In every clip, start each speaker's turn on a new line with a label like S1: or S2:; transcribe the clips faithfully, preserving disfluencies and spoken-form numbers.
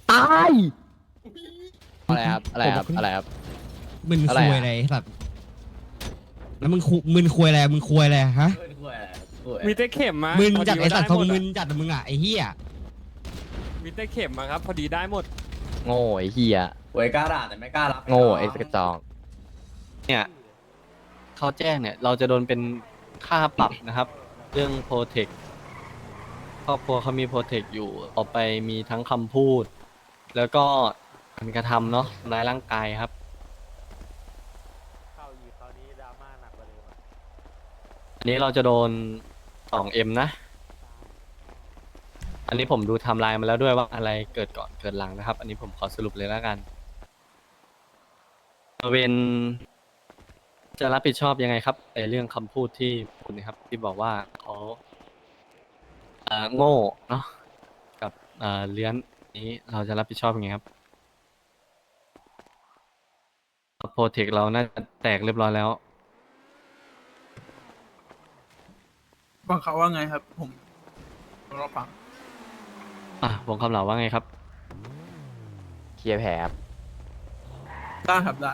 S1: ตาย
S2: อะไรครับอะไรครับอะไรครับ
S3: มึน
S2: อะ
S3: คุ
S2: ไร
S3: ย
S2: อะ
S3: อะไรสัตว์แล้วมึงคุมึนคุยอะไรมึงคุยอะไรฮะ
S4: มีแต่เข็มมา
S3: มึ
S4: มึ
S3: นจัดไอสัตว์ทรงมึนจัดมึงอ่ะไอเหี้ย
S4: มีแต่เข็มมาครับพอดีได้หมด
S2: โง่ไอ้เหี้ย
S5: หวยกล้าด่าแต่ไม่กล้ารับ
S2: โง่ไอ้กระจอก
S6: เนี่ยเขาแจ้งเนี่ยเราจะโดนเป็นค่าปรับนะครับ เรื่องโปรเทคครอบครัวเขามีโปรเทคอยู่ต่อไปมีทั้งคำพูด แล้วก็การกระทำเนาะทำร้ายร่างกายครับอันนี้เราจะโดน สองเอ็ม นะ อันนี้ผมดูไทม์ไลน์มาแล้วด้วยว่าอะไรเกิดก่อนเกิดหลังนะครับ อันนี้ผมขอสรุปเลยแล้วกันเวนจะรับผิดชอบยังไงครับในเรื่องคำพูดที่คุณนะครับ ที่บอกว่าเขาเอ่อโง่เนาะกับเอ่อเลี้ยนนี้เราจะรับผิดชอบยังไงครับโปรเทคเราน่าจะแตกเรียบร้อยแล้ว
S7: ฟังเขาว่าไงครับ ผมรอฟัง
S6: อ่ะวงคำเหล่าว่าไงครับ
S2: เคลียร์แผลครับ
S7: ได้ครับได้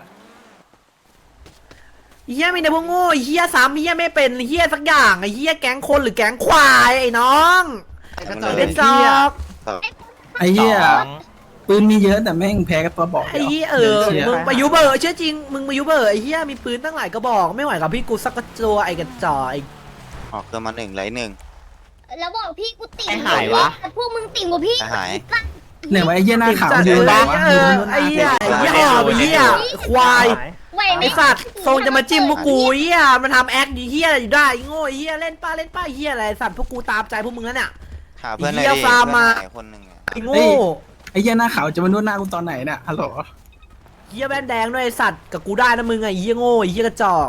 S1: เฮียมีแต่พวกโง่เฮียซ้ำเฮียไม่เป็นเฮียสักอย่างไอ้เฮียแก๊งคนหรือแก๊งควายไอ้น้องเป็นจอก
S7: ไอ้เหี้ยปืนมีเยอะแต่แม่งแพ้กับตัวบอก
S1: ไอ้เฮียเออมึงประยุเบอร์เชื่อจริงมึงประยุเบอร์ไอ้เฮียมีปืนตั้งหลายกระบอกไม่ไหวกับพี่กูสักกระตัวไอ้กระจอกไอ้
S8: ออกเกินมาหนึ่งไหลหนึ่ง
S9: แล้วบอกพี่กูติ่ง
S8: ไอ้หายวะ
S9: พวกมึงติ่งกว่าพี่
S8: ไอ้หาย
S7: เนี่ยว่าไอ้เหี้ยหน้าขาว
S1: จัด
S7: ยืน
S1: เลย
S7: วะ
S1: เออไอ้เฮียไอ้เฮียหอบไอ้เฮียควาย
S9: ไหวไหม
S1: ไอ้สัตว์ทรงจะมาจิ้มพวกกูเฮียมันทำแอคดีเฮียอะไรอยู่ได้ไอ้โง่ไอ้เฮียเล่นป้าเล่นป้าเฮียอะไรสัตว์พวกกูตามใจพวกมึงแล้วเนี่ย
S8: หาเพื่อนหน่อย
S1: เหี้
S8: ดิ
S1: ยฟาร์มมา
S8: เพื่อนหายคนหนึ่งอะ
S1: ไอ้โง่
S7: ไอ้เหี้ยหน้าขาวจะมานวดหน้ากูตอนไหนเนี่ยฮัลโหล
S1: เฮียแว่นแดงด้วยไอ้สัตว์กับกูได้นะมึงไอ้เฮียโง่ไอ้เฮียกระจอก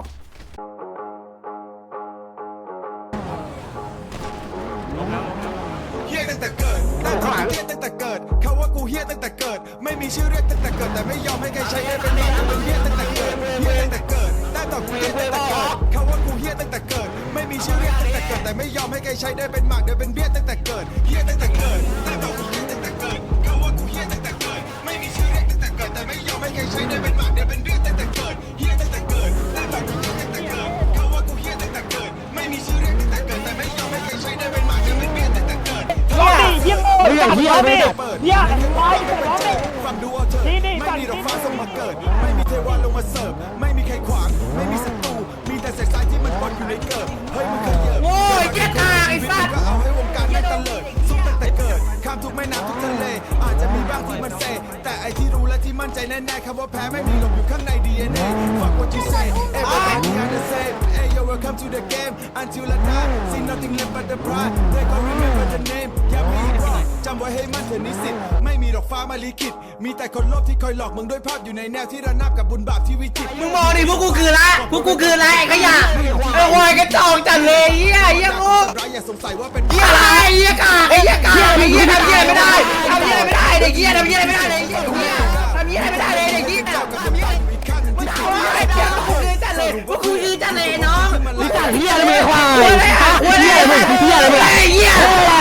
S10: เฮี้ยตั้งแต่เกิดตั้งแต่เฮี้ยตั้งแต่เกิดเขาว่ากูเฮี้ยตั้งแต่เกิดไม่มีชื่อเรียกตั้งแต่เกิดแต่ไม่ยอมให้ใครใช้ได้เป็นนามเป็นเฮี้ยตั้งแต่เกิดเฮี้ยตั้งแต่เกิดตั้งแต่กูเฮี้ยตั้งแต่เกิดเขาว่ากูเฮี้ยตั้งแต่เกิดไม่มีชื่อเรียกตั้งแต่เกิดแต่ไม่ยอมให้ใครใช้ได้เป็นหมากเดี๋ยวเป็นเบี้ยตั้งแต่เกิดเฮี้ยตั้งแต่เกิดตั้งแต่กูเฮี้ยตั้งแต่เกิดเขาว่ากูเฮี้ยตั้งแต่เกิดไม่มีชื่อเรียกตั้งแต่เกิดแต่ไม่ยอมให้ใครใช้ได้เป็นหมากเดี๋ยวเป็นเบี้ยตั้งแต่เกิดเฮี้ยตั้งแต่เกิดตั้งแต่กูเฮี้ยตั้งแต่เกิดเขาว่ากูเฮี้ยตั้งแต่เกิดไม่มีชื่อเรียกตั้งแต่เกิดแต่ไม่ยอมให้ใครใช้ได้เป็นหมากเดี๋ยวเป็นเบี้ยตั้งแต่เกิด
S1: เฮียโง่เฮียเฮียไม่ได้เฮียควายแต่ร้องเลย
S10: ฟังดูเอาเถอะไม่มีดอกฟ้าส่งมาเกิด ไม่มีเทวาลงมาเสิร์ฟไม่มีใครขวาง ไม่มีศัตรูมีแต่เศษทรายที่มันปนอยู่ในเกิด เฮ้ยมึงเคยเยอะ
S1: โง่ไอ้เหี้ยกากไอ้สัตว์
S10: ก็เอาให้วงการไม่ตะเลิดสู้ตั้งแต่เกิด ข้ามทุกแม่น้ำทุกทะเล อาจจะมีบ้างที่มันเซ แต่ไอที่รู้และที่มั่นใจแน่ๆคำว่าแพ้ไม่มีหลงอยู่ข้างใน ดี เอ็น เอ Fuck what you say everybody are the same Hey yo welcome to the game until I die see nothing left but the pride they gon' remember the name อย่ามีอีกรอบจำไว้ให้มั่นเถอะนิสิตไม่มีดอกฟ้ามาลิขิตมีแต่คนโลภที่คอยหลอกมึงด้วยภาพอยู่ในแนวที่ระนาบกับบุญบาปที่วิจิตร
S1: มึงมองดิพวกกูคือละพวกกูคือละไอ้ขยะไอ้ควายกระจอกจัดเลยเฮียเฮียโง่
S10: ร้ายอย่าสงสัยว่าเป็น
S1: เฮียอะไรเฮียกากไอ้เฮียกากไอ้เฮียทำเฮียไม่ได้ทำเฮียไม่ได้เด็กเฮียทำเฮียไม่ได้เลยเฮียทำเฮียไม่ได้เลยเด็กเฮีย
S10: เจ้ากับคนอยู่อีกข้างหนึ่งที่
S1: เอาไอ้เฮียพวกกูคือจัดเลยพวกกูคือจัดเลยน้อง
S10: รู้จัก
S1: เฮียอะไรไม่ควายเฮียอะไรเฮียอะไรไอ้เฮีย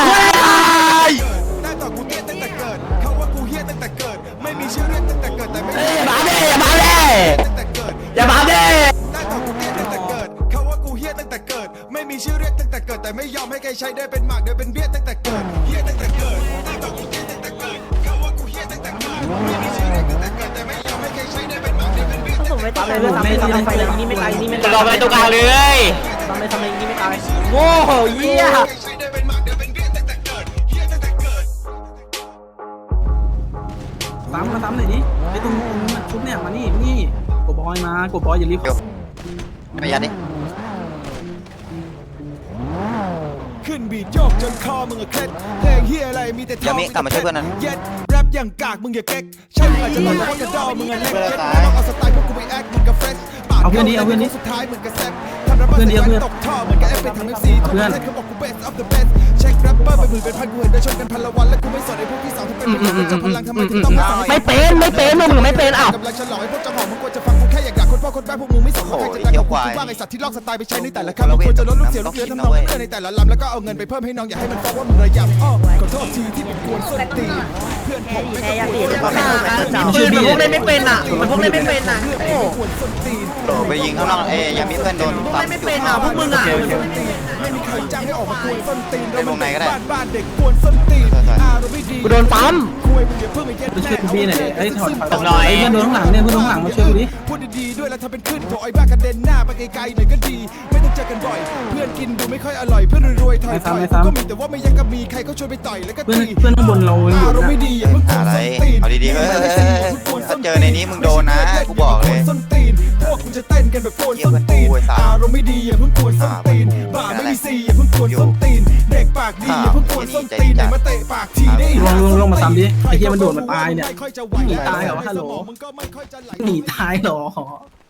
S10: ได้ต่อกูเตี้ยตั้งแต่เกิดเขาว่ากูเฮี้ยตั้งแต่เกิดไม่มีชื่อเรียกตั้งแต่เกิดแต่ไม่
S1: อย่ามาเด้อย่ามาเด้
S10: ตั้งแต่เกิด
S1: อย่ามาเด้
S10: ได้ต่อกูเตี้ยตั้งแต่เกิดเขาว่ากูเฮี้ยตั้งแต่เกิดไม่มีชื่อเรียกตั้งแต่เกิดแต่ไม่ยอมให้ใครใช้ได้เป็นหมากเดี๋ยวเป็นเบี้ยตั้งแต่เกิดเฮี้ยตั้งแต่เกิดได้ต่อกูเตี้ยตั้งแต่เกิดเขาว่ากูเฮี้ยตั้งแต่เกิดไม่มีชื่อเรียกตั้งแต่เกิดแต่ไม่ยอมให้ใครใช้ได้เป็นหมากเดี๋ยวเป็นเบี้ยตั้งแต่เกิด
S1: ไปเลยทำไปทำไปเลยนี่ไม่ตายนี่ไม่ตาย
S2: รอไปตรงกลางเลย
S1: ทำไปทำไปนี่ไม่ตายโง่เฮีย
S10: ใช้ได้เป็นหมากเดี๋ยวเป็นเบี้ยตั้งแต่เกิดเฮี้ยตั้งแต่เกิด
S7: ซ้ำมาซ้ำหน่อยดิไอ้ตรงตรงชุดเนี่ยมานี่นี่กดบอยมากดบอยอย่ารีบ
S8: ไม่ยัดดิ
S10: ขึ้นบีทโยกจนคอมึงอะเคล็ดเพลงเฮียอะไรมีแต่ท่
S8: อย่ามิกลับมาช่วยเพื่อนนั้น
S10: เย็ดแรปอย่างกากมึงอย่าเก๊กใช่มึงอาจจะหลอกว่ากระดอมึงอะเล็กเย็ดแล้วลองเอาสไตล์พวกกูไปแอคมึงกับเฟรชปาก
S7: เอาเพื่อนนี้เอาเพื่อนนี้
S10: สุดท้ายมึงกับแซกทำแรปเปอร์
S7: เพื่อนนี้เอาเพื่อน
S10: ตกท่อเหมือนกับเอฟไปทำเอฟซีทุกประเทศเขาบอกกู best of the best เช็คแรปเปอร์ไปหมื่นเป็นพันกูเห็นได้ชนกันพันละวันและกูไม่สนไอ้พวกที่สองที่เป็นมึงจับพลังทำไมถึงต้องมาสั่ง
S1: ไม่เป็นไม่เป็นมึงไม่เป็นอ้าว
S10: กำลังฉลองไอ้พวกเจ้าของมึงควรจะฟังกูแค่อยากด่าคนพ่อคนแม่พวกมึงไม่สนว่าใครจะได้กับกูบ้างไอ้สัตว์ที่ลอกสไตล์ไปใช้ในแต่ละคำมึงควรจะลดลูกเสียลูกเรือทำนองเพื่อนในแต่ละลำแล้วก็เอาเงินไปเพิ่มให้น้องอย่าให้มันฟ้องว่ามึงระยำอ้อขอโทษทีที่ผมกวนส้นตีนเพื่อนพื่อนผมไม่
S1: แค่
S10: ก็
S1: อยาก
S10: ป
S1: ตี
S10: วด
S1: ก็
S10: ส้น
S1: มา
S10: ตีน
S1: ปืนมันพวกเล่นไม่เป็นอ่ะมันพวกเล่นไม่เป็นอ่ะโอ้
S10: ปวดส้นตีน
S8: โดดไปยิงข้างนอกเอ้ยยังมีเพื่อนโดน
S1: พวก
S8: ซ้ำ
S1: เล่นไม่เป็นอ่ะพวกมึงอ่ะ
S10: ไม่มีใครจ้างให้ออกมากวนส้นตีน
S8: เล่นวงในก็ได้
S10: บ้านบ้านเด็กกวนส้นตีนอารมณ์ไม่ดี
S1: กูโดนปั๊ม
S10: คุยมึงอย่าเพิ่งไปเย็ด
S7: ไปช่วยกูพี่หน่อยดิไอ้ยถอดถอด
S1: หน่อย
S7: ไอ้เพื่อนโดนข้างหลังเนี่ยเพื่อนโดนข้างหลังมาช่วยกูดิ
S10: พูดดีๆด้วยแล้วทำเป็นขึ้นโถไอ้บ้ากระเด็นหน้าไปไกลๆหน่อยก็ดี ไม่ต้องเจอกันบ่อย เพื่อนกินดูไม่ค่อยอร่อยเพื่อนรวยๆถอยๆก็มีแต่ว่าไม่ยังก็มีใครเขาชวนไปต่อยแล้วก็
S7: เพื่อน
S10: ตี
S7: เพื่อนข้างบนเรายังอยู่
S10: อารมณ์
S7: นะ
S10: ไม่ดีอย่าเพิ่งกวน
S8: อะไร
S10: ส้นตีน
S8: เอาดีๆเว้ยถ้าเจอในนี้มึงโดนนะกูบอกเลย
S10: ส้นตีนพวกกูจะเต้นกันแบบโกนส้นตีนอารมณ์ไม่ดีอย่าเพิ่งกวนส้นตีนบ้าไม่มีซีอย่าเพิ่งกวนส้นตีนเด็กปากดีอย่าเพิ่งกวนส้นตีนไหนมาเตะปากทีได้
S7: ลงลงลงมาซ้ำดิไอ้เหี้ยมันโดดมาตายเนี่ย
S10: ไม่ค่อยจะไหว
S7: หนีตายเหรอวะฮัลโหล
S10: มึงก็ไม่ค่อยจะไหล
S7: หนีตายเหรอ